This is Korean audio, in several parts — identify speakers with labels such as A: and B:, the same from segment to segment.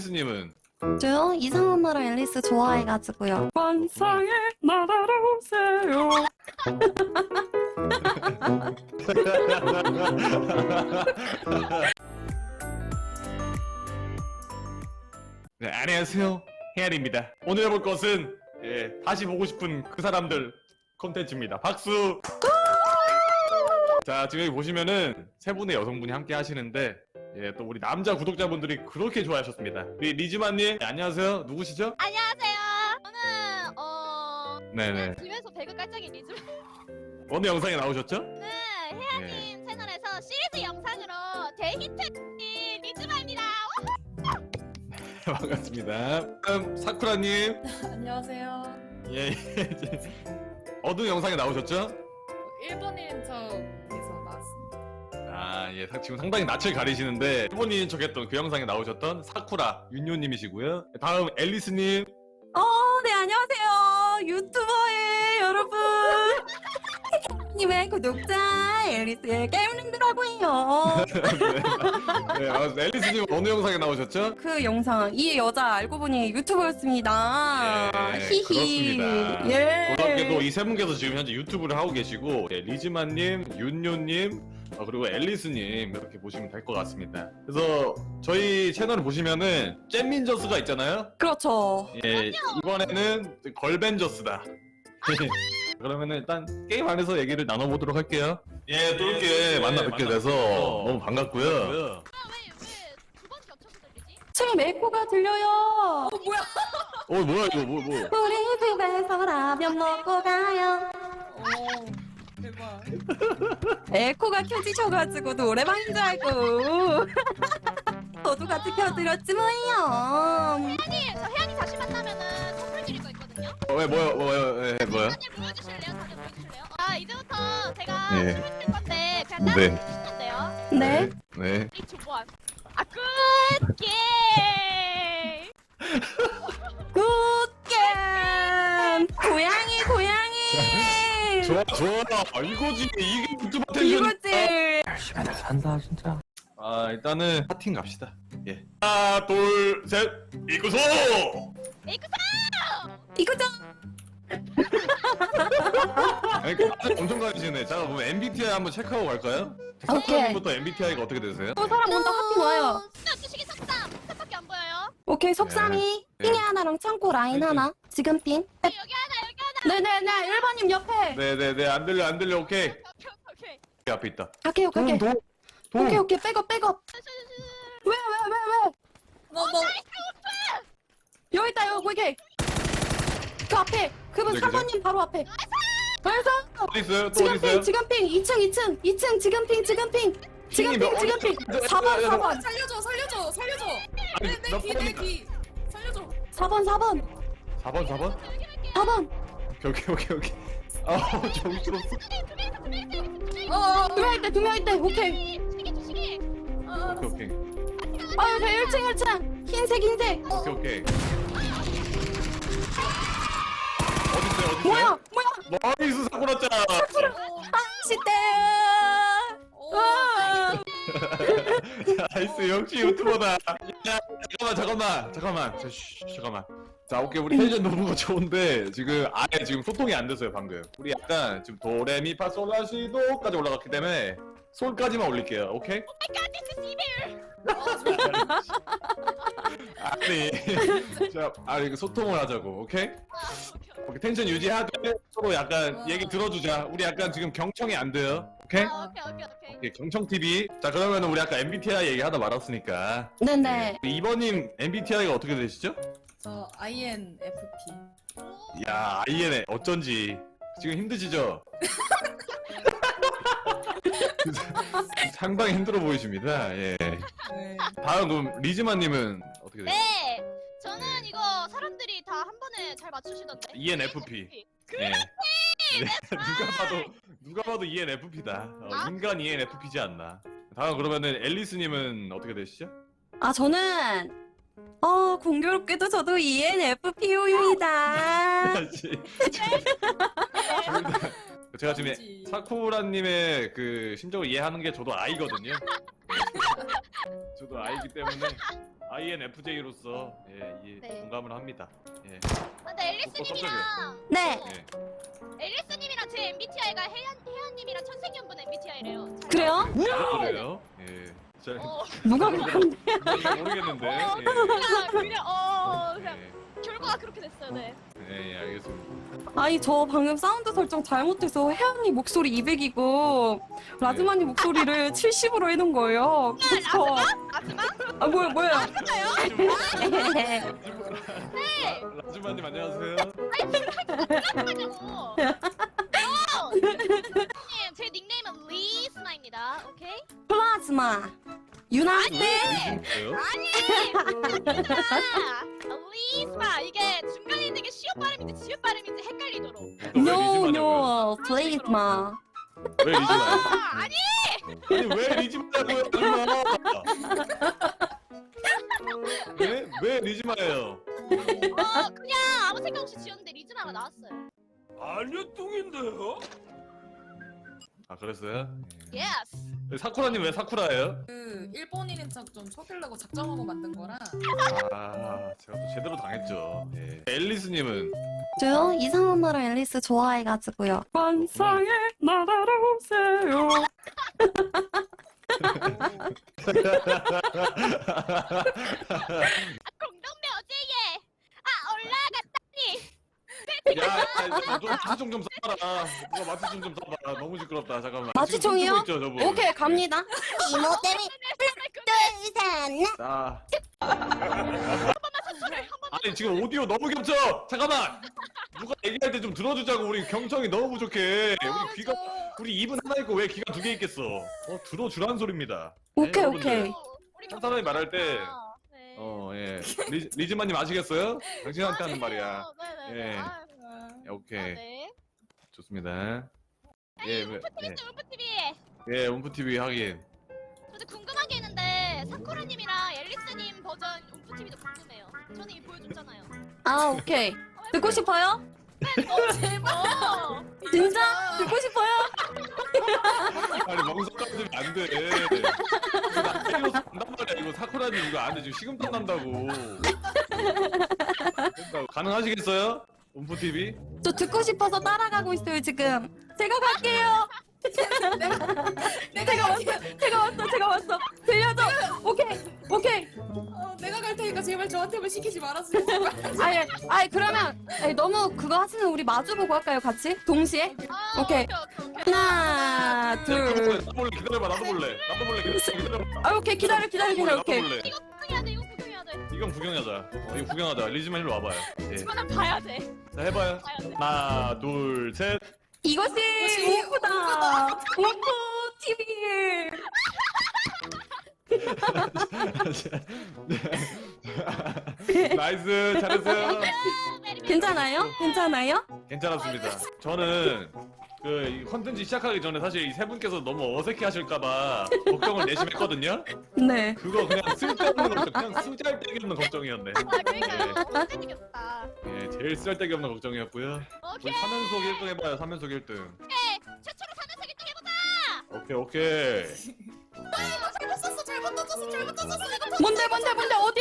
A: 앨리스님은?
B: 저요? 이상한 나라 앨리스 좋아해가지고요. 환상의 나라로 오세요.
A: 네, 안녕하세요. 헤알입니다. 오늘 해볼 것은 다시 보고 싶은 그 사람들 콘텐츠입니다. 박수! 자, 지금 여기 보시면은 세 분의 여성분이 함께 하시는데 또 우리 남자 구독자분들이 그렇게 좋아하셨습니다. 우리 리즈마님, 안녕하세요. 누구시죠?
C: 안녕하세요. 저는
A: 네네.
C: 집에서 배그 깔짝이 리즈.
A: 어느 영상에 나오셨죠?
C: 네, 혜아님 채널에서 시리즈 영상으로 대히트 리즈마입니다.
A: 반갑습니다. 다음 사쿠라님.
D: 안녕하세요.
A: 예. 어느 영상에 나오셨죠?
D: 일본인 척에서 나왔습니다.
A: 아, 예. 지금 상당히 낯을 가리시는데 일본인 척했던 그 영상에 나오셨던 사쿠라 윤요님이시고요. 다음 앨리스님.
B: 네, 안녕하세요. 유튜버의 여러분. 님의 구독자 앨리스의 게임님들하고요.
A: 네, 앨리스님 어느 영상에 나오셨죠?
B: 그 영상 이 여자 알고 보니 유튜버였습니다.
A: 예,
B: 히히.
A: 그렇습니다.
B: 예.
A: 그렇게도 이 세 분께서 지금 현재 유튜브를 하고 계시고 리즈마님, 윤요님, 그리고 앨리스님 이렇게 보시면 될 것 같습니다. 그래서 저희 채널을 보시면은 잼민저스가 있잖아요.
B: 그렇죠.
A: 예, 이번에는 걸벤저스다. 그러면은 일단 게임 안에서 얘기를 나눠보도록 할게요. 예, 또 이렇게 만나 뵙게 돼서 너무 반갑고요.
C: 왜 두 번 겹쳐서 들리지?
B: 지금 에코가 들려요.
A: 뭐야 이거 뭐.
B: 우리 집에서 라면 먹고 가요.
D: 대박.
B: 에코가 켜지셔가지고 노래방인 줄 알고. 저도 같이 켜드렸지 뭐예요.
C: 혜아님, 저 혜아님 다시 만나면은 선물 드릴 거 있거든요.
A: 뭐야?
C: 다들 보여주실래요? 이제부터 제가
A: 예.
C: 선물 드릴 건데 그냥 따라
A: 네.
C: 해주시면 돼요.
B: 네.
A: 네.
C: 이 조보안. 굿 게임.
B: 굿게임. 고양이.
A: 좋아. 이거지. 이게 유튜브 텐션.
B: 이거지.
E: 열심히 잘 산다 진짜.
A: 일단은 파팅 갑시다. 예. 하나, 둘, 셋. 이구소.
B: 이거죠.
A: 아니, 다들 엄청 가시네. 자, 그럼 MBTI 한번 체크하고 갈까요?
B: 오케이.
A: 사쿠라님부터 MBTI가 어떻게 되세요?
B: 또 사람 온다 하팅 와요.
C: 주식이 석삼밖에 안 보여요.
B: 오케이 속삼이
A: 네.
B: 핑이 하나랑 창고 라인
A: 네.
B: 하나. 지금 핑.
C: 여기 하나.
B: 네네네. 일반님 옆에.
A: 네네네. 안 들려. 오케이.
C: 오케이.
A: 앞에 있다.
B: 갈게요. 오케이. 백업. 왜?
D: 너
B: 여기 있다 여기. 그 앞에. 그분
A: 네,
B: 사관님 바로 앞에. 그래서
A: 어디 있어요? 또 어디 있어요?
B: 지금 핑 2층 지금 핑.
A: 핑이 몇-
B: 4번.
D: 살려줘.
A: 아니, 몇 번이나-
D: 내 귀. 살려줘.
B: 4번.
A: 4번? 오케이. 정신없어.
B: 두 명 있대. 오케이.
C: 주식이.
A: 오케이.
B: 아유 저 1층. 흰색.
A: 오케이. 어디 있어요?
B: 뭐야?
A: 나이스 사쿠라짱.
B: 시대.
A: 나이스 역시 유튜버다. 야, 잠깐만. 잠깐만. 자, 오케이 우리 텐션 너무 좋은데 지금 아예 지금 소통이 안 됐어요 방금. 우리 약간 지금 도레미파솔라시도까지 올라갔기 때문에 솔까지만 올릴게요. 오케이? 아니, 이거 소통을 하자고. 오케이? 오케이 텐션 유지하되 서로 약간 얘기 들어주자. 우리 약간 지금 경청이 안 돼요. 오케이?
C: 오케이.
A: 오케이, 경청 TV. 자, 그러면 우리 아까 MBTI 얘기하다 말았으니까.
B: 네네.
A: 우리 이번님 MBTI가 어떻게 되시죠?
D: 저 INFP.
A: 야, IN에 어쩐지 지금 힘드시죠? 상당히 힘들어 보이십니다. 예.
D: 네.
A: 다음 그럼 리즈마님은 어떻게 되세요?
C: 네. 저는 이거 사람들이 다 한 번에 잘 맞추시던데.
A: ENFP. 예. 네, 누가 봐도 ENFP다. 인간 ENFP지 않나. 다음 그러면은 앨리스님은 어떻게 되시죠?
B: 저는 공교롭게도 저도 ENFPU입니다.
A: 제가 지금 사쿠라님의 그 심정을 이해하는 게 저도 I거든요. 저도 I기 때문에 INFJ로서 이
C: 네.
A: 공감을 합니다. 예.
C: 근데 앨리스님이랑
B: 네.
A: 예.
C: 앨리스님이랑 제 MBTI가 혜연님이랑 천생연분 MBTI래요.
B: 그래요?
A: 그래요? 예. 잘
B: 누가 그런데?
A: 모르겠는데. 예.
C: 그냥
A: 예.
C: 결과가 그렇게 됐어요. 네.
A: 예, 알겠습니다.
B: 아니 저 방금 사운드 설정 잘못해서 혜연이 목소리 200이고 라즈마니 목소리를 70으로 해놓은 거예요. 그래서
C: 마지막?
B: 아 뭐야?
A: 라즈마님 안녕하세요.
C: 하냐고. 제 닉네임은 리스나입니다. 오케이?
B: 플라즈마 유나세
A: 뭐예요?
C: 리스나 이게 중간에 있는 게 시옷 발음인지 지읒 발음인지 헷갈리도록.
B: 노노 플레이즈마.
A: 왜 리즈마요?
C: 아니
A: 아니 왜 리즈마냐고요? 왜 리즈마예요?
C: 그냥 아무 생각 없이 지었는데 리즈나가 나왔어요.
E: 아니요 뚱인데요?
A: 아 그랬어요?
C: 예스.
A: 사쿠라님 왜 사쿠라예요?
D: 그 일본인인 척 좀 속이려고 작정하고 만든 거라.
A: 아 제가 또 제대로 당했죠. 예. 앨리스님은
B: 저요 이상한 나라 앨리스 좋아해가지고요. 환상의 나라로 오세요.
C: 공동묘 어제예. 올라갔다니.
A: 야 이제 마취총 좀 써봐라. 누가 마취총 좀 써봐. 너무 시끄럽다. 잠깐만.
B: 마취총이요?
A: 지금 춤추고 있죠, 저분?
B: 오케이 갑니다.
F: 이모들이 둘셋넷
A: 자. 아니 지금 오디오 너무 겹쳐. 잠깐만. 누가 얘기할 때 좀 들어주자고. 우리 경청이 너무 부족해. 우리 귀가 우리 입은 하나 있고 왜 귀가 두 개 있겠어? 들어주라는 소리입니다.
B: 오케이,
A: 여러분들.
B: 오케이.
C: 우리
A: 한 사람이 말할 때
C: 네.
A: 예. 리즈마님 아시겠어요? 당신한테 하는 말이야.
C: 네네네.
A: 예.
C: 아유,
A: 오케이.
C: 네.
A: 좋습니다. 예,
C: 울프TV.
A: 예, 움프 TV 확인.
C: 저도 궁금한 게 있는데 사쿠라님이랑 앨리스님 버전 울프TV도 궁금해요. 저는 이미 보여줬잖아요.
B: 아 오케이. 듣고 싶어요?
D: 제발.
B: 진짜? 듣고 싶어요?
A: 아니 멍석 까지면 안 돼. 이거 나 때려서 간단 말이야. 이거 사쿠라님 이거 안 돼. 지금 식은땀 난다고. 그러니까 가능하시겠어요? 움프 TV?
B: 저 듣고 싶어서 따라가고 있어요 지금. 제가 갈게요. 제가 왔어. 들려줘. 오케이.
D: 내가 갈 테니까 제발 저한테만 시키지 말았으면 제발.
B: 아니 그러면 너무 그거 하시는 우리 마주보고 할까요 같이? 동시에?
C: 아,
B: 오케이. 하나, 둘.
A: 나도 볼래. 기다려봐. 나도 볼래. 기다려봐.
B: 아 오케이 기다려.
A: 나도
B: 오케이.
A: 볼래.
C: 이거 구경해야 돼. 이거 구경해야 돼.
A: 이건 구경하자. 이거 구경하자. 리즈만 일로 와봐요. 예.
C: 이거는 봐야 돼.
A: 자 해봐요.
C: 봐야 돼.
A: 하나, 둘, 셋.
B: 이것이 오프다. 오프 TV.
A: 나이스. 잘했어요.
B: 괜찮아요?
A: 괜찮았습니다. 저는 이 컨텐츠 시작하기 전에 사실 이 세 분께서 너무 어색해 하실까봐 걱정을 내심 했거든요.
B: 네.
A: 그거 그냥 쓸데없는 걱정, 그냥 쓰잘데기 없는 걱정이었네.
C: 그러니까요. 너무 재밌겠다.
A: 예, 제일 쓰잘데기 없는 걱정이었고요.
C: 오케이.
A: 우리 3연속 1등 해봐요. 3연속 1등.
C: 최초로 3연속 1등 해보자.
A: 오케이.
D: 잘못 던졌어.
B: 뭔데? 어디?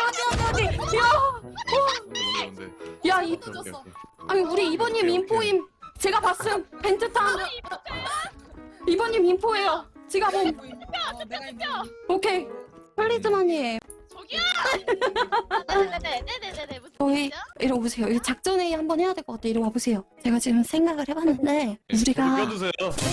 A: 뭔데.
B: 야, 이
D: 던졌어.
B: 아니 우리 이번님
A: 오케이.
B: 인포임. 제가 봤음. 벤트탄. 이번님 인포예요. 지가 봄.
D: 내가 있는.
B: 오케이. 플리즈마님.
C: 저기요. 네네네네네네. 무슨
B: 저희
C: 일이죠?
B: 이리 오세요. 이거 작전회의 한번 해야 될 것 같아. 이리 와보세요. 제가 지금 생각을 해봤는데 우리가
A: 껴주세요.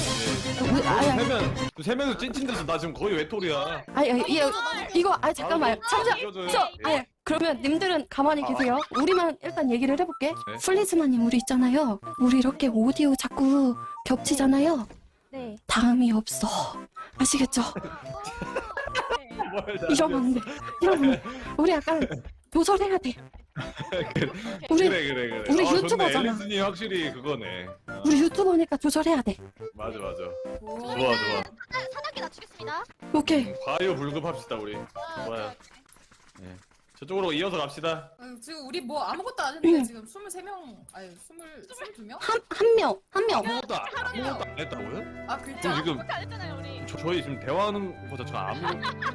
A: 세 명이서 찐친돼서 나 지금 거의 외톨이야.
B: 이거 잠깐만요. 잠시만.
A: 껴줘요.
B: 그러면 님들은 가만히 계세요. 우리만 일단 얘기를 해볼게.
A: 네.
B: 플리즈마님 우리 있잖아요. 우리 이렇게 오디오 자꾸 겹치잖아요.
C: 네.
B: 다음이 없어. 아시겠죠?
A: 뭘 다
B: 이러면 안 돼. 우리 약간 조절해야 돼. 우리
A: 그래.
B: 우리
A: 좋네.
B: 유튜버잖아.
A: 앨리스님 확실히 그거네.
B: 우리 유튜버니까 조절해야 돼.
A: 맞아.
D: 오.
A: 좋아.
C: 사단계 낮추겠습니다.
B: 오케이.
A: 과요 불급합시다 우리. 좋아요. 예. 저쪽으로 이어서 갑시다.
D: 지금 우리 뭐 아무것도 안 했는데 지금 23명 아니 22명?
B: 한 명.
A: 아무것도 안 했다고요?
D: 아 글자.
A: 지금
C: 그렇게 안 했잖아요 우리.
A: 저희 지금 대화하는 거 자체가 아무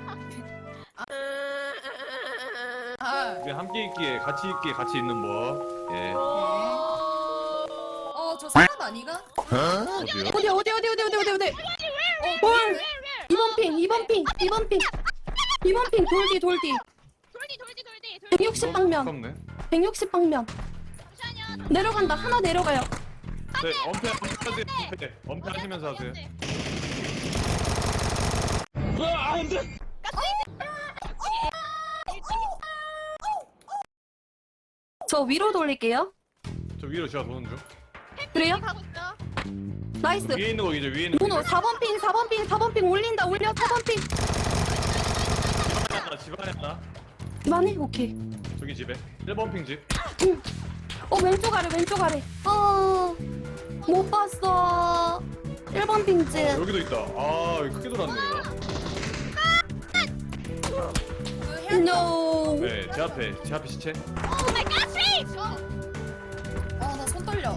D: 아
A: 우리 함께 있기에 같이 있는 법. 예.
D: 저 사람 아니가?
A: 어디요?
B: 어디.
D: 뭘?
B: 2번 핑 돌디.
C: 돌디.
B: 160방면. 160방면.
C: 잠시만요.
B: 내려간다. 하나 내려가요.
A: 네, 엄폐 하시면서 하세요.
B: 저 위로 돌릴게요.
A: 저 위로 제가 도는 중.
B: 그래요?
C: 가고 있어.
B: 나이스.
A: 위에 있는 거 이제 위에 있는 거.
B: 문호 4번 핑 올려 4번 핑.
A: 집안에 하나.
B: 많이 오케이.
A: 저기 집에. 1번 핑 집.
B: 왼쪽 아래. 못 봤어. 1번 핑집.
A: 여기도 있다. 아, 여기 크게 돌았네. 얘가.
B: No.
A: 네, 제 앞에 시체.
C: 오 마이 갓 스윗.
D: 아나 손 떨려.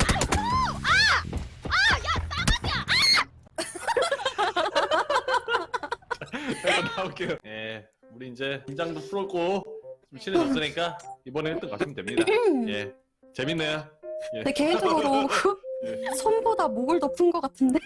A: 잠깐 나올게요. 예, 우리 이제 긴장도 풀었고 좀 친해졌으니까 이번에 1등 가시면 됩니다. 예, 재밌네요. 예.
B: 네, 개인적으로 손보다 목을 더 푼 것 같은데.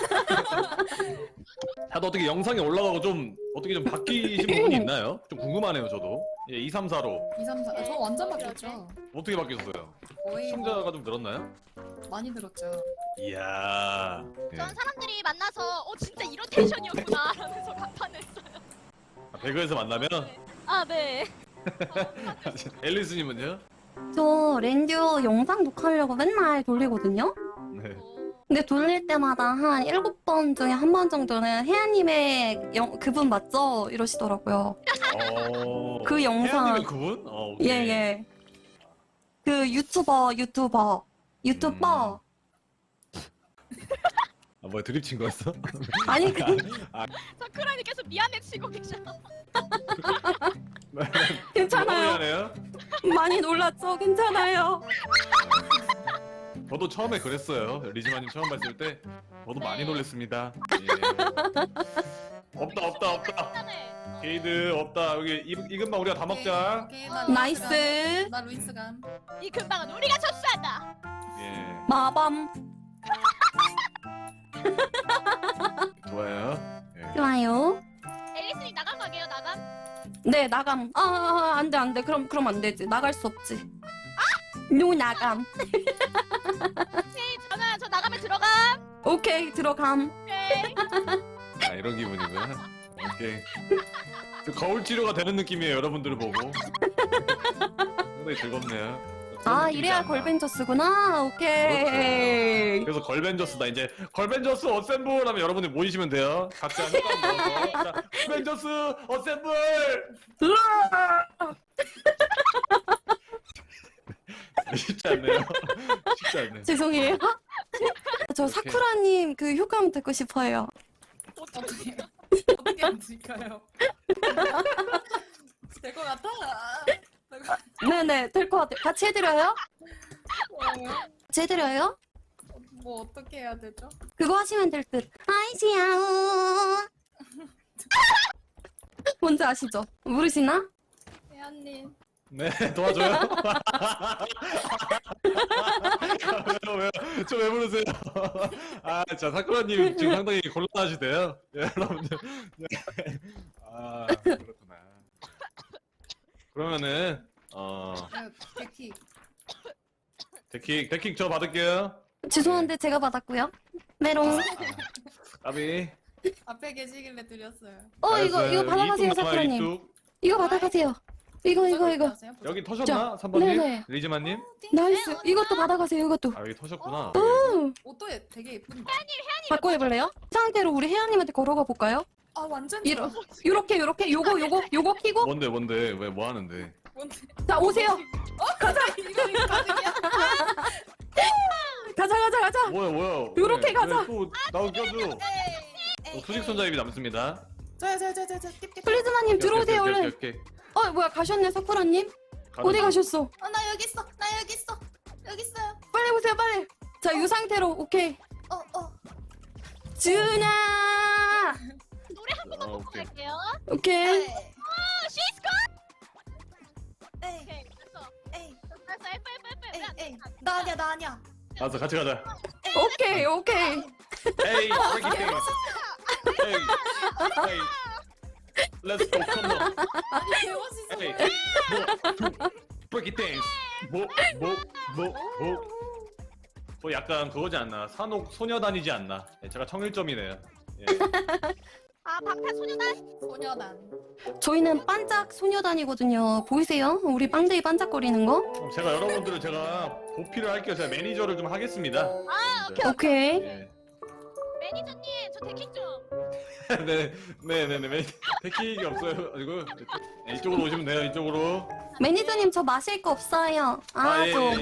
A: 다들 어떻게 영상이 올라가고 좀 어떻게 좀 바뀌신 부분이 있나요? 좀 궁금하네요, 저도. 예, 2, 3, 4로
D: 2, 3, 4. 저 완전 바뀌었죠.
A: 어떻게 바뀌었어요?
D: 거의
A: 시청자가 좀 늘었나요?
D: 많이 들었죠.
A: 이야. 예.
C: 전 사람들이 만나서 진짜 이런 텐션이었구나 라면서 감탄했어요.
A: 배그에서 만나면
C: 아 네.
A: 앨리스님은요?
B: 저 렌듀 영상 녹화하려고 맨날 돌리거든요.
A: 네.
B: 근데 돌릴 때마다 한 7번 중에 한 번 정도는 혜연님의 그분 맞죠? 이러시더라고요. 그 영상.
A: 혜연님의 그분? 오케이.
B: 예. 그 유튜버.
A: 아, 뭐야 드립 친 거였어?
B: 아니
C: 사쿠라니 계속 미안해 치고 계셔.
B: 괜찮아요.
A: 미안해요.
B: 많이 놀랐죠? 괜찮아요.
A: 저도 처음에 그랬어요. 리즈마님 처음 봤을 때 저도 많이 놀랬습니다. 예. 없다.
C: 괜찮네.
A: 게이드 없다. 여기 이것만 우리가 다 먹자.
D: 오케이, 나
B: 나이스.
D: 나 루이스감.
C: 이 근방은 우리가 접수한다.
A: 예.
B: 마밤.
A: 좋아요. 예.
B: 좋아요.
C: 앨리스님 나간 거게요 나감?
B: 네, 나감. 안 돼. 그럼 안 되지. 나갈 수 없지. 노 나감.
C: 오케이 저 나가면 들어감.
B: 오케이, 들어감.
C: 오케이.
A: 아 이런 기분이구나. 오케이. 그 거울 치료가 되는 느낌이에요. 여러분들을 보고. 상당히 즐겁네요. 그런 느낌이지
B: 이래야
A: 않나.
B: 걸벤져스구나. 오케이.
A: 그래서 걸벤져스다. 이제 걸벤져스 어셈블 하면 여러분들 모이시면 돼요. 각자 효과 넣어서. 자, 걸벤져스 어셈블. 쉽지 않네요. 쉽지 않네.
B: 죄송해요. 저 사쿠라님 그 효과음 듣고 싶어요.
D: 어떻게 하면 될까요? 될 것 같아.
B: 네네, 될 것 같아요. 같이 해드려요? 같이 해드려요?
D: 뭐 어떻게 해야 되죠?
B: 그거 하시면 될 듯. 아이시야우. 뭔지 아시죠? 모르시나?
D: 혜연님.
A: 네, 도와줘요. 왜요? 저 왜 부르세요? 아, 자 사쿠라님 지금 상당히 곤란하시대요. 예, 여러분들. 아, 그렇구나. 그러면은 데킥 저 받을게요.
B: 죄송한데 제가 받았고요. 메롱.
A: 까비.
D: 앞에 계시길래 드렸어요.
B: 이거 받아가세요, 사쿠라님. 이거 받아가세요. 이거.
A: 여기 터셨나? 3번님?
B: 네네.
A: 리즈마님?
B: 나이스. 이것도 받아가세요, 이것도.
A: 아 여기 터셨구나.
D: 옷도 되게 예쁜데.
B: 바꿔 입을래요? 상태로 우리 혜연님한테 걸어가 볼까요?
D: 아 완전
B: 이러-
D: 좋아.
B: 요렇게 요거 키고.
A: 뭔데 왜 뭐 하는데?
D: 뭔데?
B: 자, 오세요.
D: 가자. 이거 가득이야.
B: 가자.
A: 뭐야?
B: 요렇게
A: 왜,
B: 가자.
A: 왜 또 나도 껴줘. 수직 손잡이 남습니다.
D: 저요. 띠띠.
B: 플리즈마님 들어오세요, 얼른.
A: 오케이.
B: 뭐야 가셨네 사쿠라님? 어디 가셨어?
D: 나 여기 있어. 나 여기 있어. 여기 있어요.
B: 빨리 오세요 빨리. 자 이 상태로 오케이.
D: 어.
B: 준아.
C: 노래 한 번만 듣고
A: 오케이.
C: 갈게요.
B: 오케이.
C: 시스코.
D: 에이.
C: 오케이 됐어.
D: 에이.
C: 됐어. F.
D: 에이. 나 아니야.
A: 알았어 같이 가자.
B: 오케이.
A: Hey, break it dance. Hey, let's go, come on.
D: 아니 배워지지.
A: Hey, break it dance. 약간 그거지 않나? 산옥 소녀단이지 않나? 예, 제가 청일점이네요. 예.
C: 방탄소년단.
D: 소녀단.
B: 저희는 반짝 소녀단이거든요. 보이세요? 우리 빵데이 반짝거리는 거?
A: 그럼 제가 여러분들을 제가 보필을 할게요. 제가 매니저를 좀 하겠습니다.
B: 오케이.
A: 예.
C: 매니저님 저 데킹 좀.
A: 네네네. 택키가 없어요. 이거 이쪽으로 오시면 돼요. 이쪽으로.
B: 매니저님 저 마실 거 없어요.
A: 예,
B: 좀.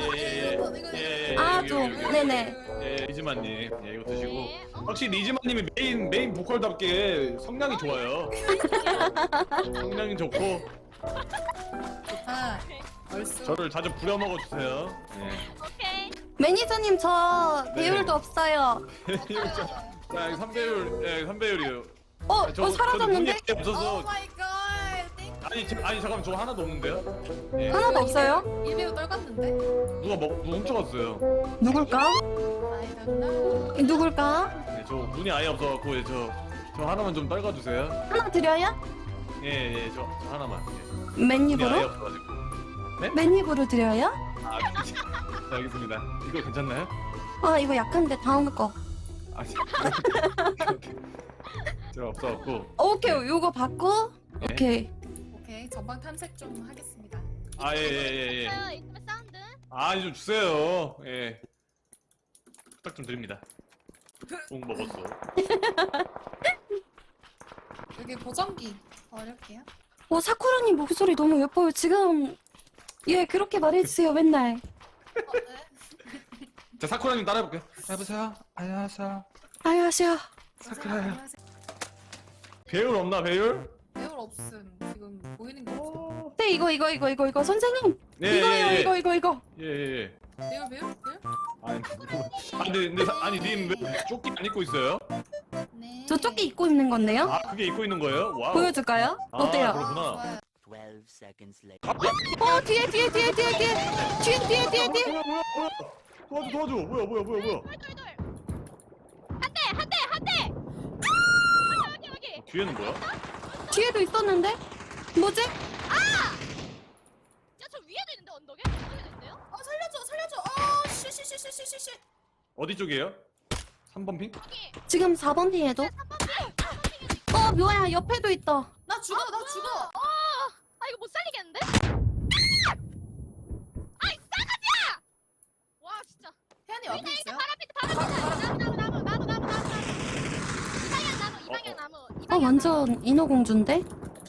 B: 좀. 네네.
A: 예, 리즈마님, 예, 이거 드시고.
C: 네.
A: 확실히 리즈마님이 메인 보컬답게 성량이 좋아요. 성량이 좋고
D: 좋다. 얼쑤.
A: 저를 자주 부려먹어 주세요. 예.
C: 오케이.
B: 매니저님 저
A: 네.
B: 배율도 없어요.
A: 자, 3배율, 예, 3배율이에요.
B: 사라졌는데?
A: 눈이 없어서.
D: 오 마이 갓. 땡.
A: 아니 잠깐만 저 하나도 없는데요? 예.
B: 하나도 없어요?
D: 1배우 떨궜는데.
A: 누가 훔쳐갔어요?
B: 누굴까?
D: I don't know.
B: 누굴까?
A: 네, 저 눈이 아예 없어갖고 예, 저 하나만 좀 떨궈주세요.
B: 하나 드려요?
A: 예, 저 하나만. 예. 눈이 아예
B: 맨입으로?
A: 없어가지고.
B: 맨입으로 드려요?
A: 네, 알겠습니다. 이거 괜찮나요?
B: 이거 약한데 다음 거.
A: 아니, 제가 없어갖고.
B: 오케이 요거 받고.
A: 예.
B: 오케이.
D: 오케이 전방 탐색 좀 하겠습니다.
A: 예.
C: 있어요. 이쪽에 사운드.
A: 좀 주세요. 예. 부탁 좀 드립니다. 꼭 먹었어.
D: 여기 보정기 버릴게요.
B: 사쿠라님 목소리 너무 예뻐요. 지금 그렇게 말해주세요 맨날.
D: 네.
A: 자, 사쿠라님 따라해볼게요. 여보세요? 안녕하세요.
B: 안녕하세요.
A: 사쿠라요.
D: 안녕하세요.
A: 배율 없나, 배율?
D: 배울 없음. 지금 보이는 게 없어.
B: 네 이거 선생님.
A: 예,
B: 이거요
A: 예.
B: 이거.
A: 예.
D: 배울?
A: 아니, 님 왜 조끼 안 입고 있어요?
D: 네.
B: 저 조끼 입고 입는 건데요.
A: 그게 입고 있는 거예요? 와우.
B: 보여줄까요? 어때요?
A: 그렇구나.
D: 좋아요.
G: 12 seconds later.
B: 뒤에.
A: 도와줘. 뭐야.
C: 돌. 한 대. 여기.
A: 뒤에는 뭐야?
B: 뒤에도 있었는데? 뭐지?
C: 야, 저 위에도 있는데 언덕에? 언덕에도 있는데요?
D: 살려줘. 쉬쉬쉬쉬쉬쉬.
A: 어디 쪽이에요? 3번 핑?
C: 여기.
B: 지금 4번 핑에도?
C: 3번 핑.
B: 뭐야 옆에도 있다.
D: 나 죽어.
C: 이거 못 살리겠는데? 아이 싸가지야! 와 진짜.
D: 혜연이 옆에 있어요?
C: 나무. 이방향 나무.
B: 완전 인어공주인데?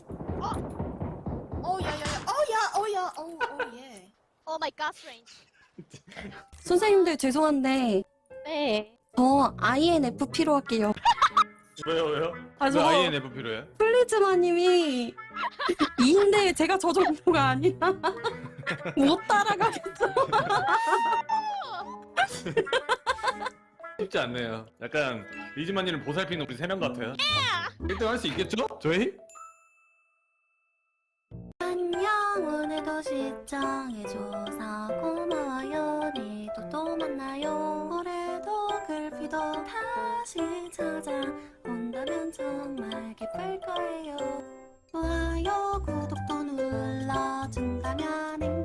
D: 야야야. 예.
C: 오 마이 갓 스트레인지.
B: 선생님들 죄송한데
C: 네.
B: 저 INFP로 할게요.
A: 왜요?
B: 아,
A: 왜
B: 저거-
A: INF 필요해?
B: 플리즈마님이 2인데 제가 저 정도가 아니라 못 따라가겠어.
A: 쉽지 않네요. 약간 리즈마님을 보살피는 우리 3명 같아요. 1등 할 수 있겠죠? 저희?
B: 안녕 오늘도 시청해줘서 고마워요. 내일도 또 만나요. 올해도 글피도 다시 찾아온다면 정말 기쁠 거예요. 좋아요 구독도 눌러준다면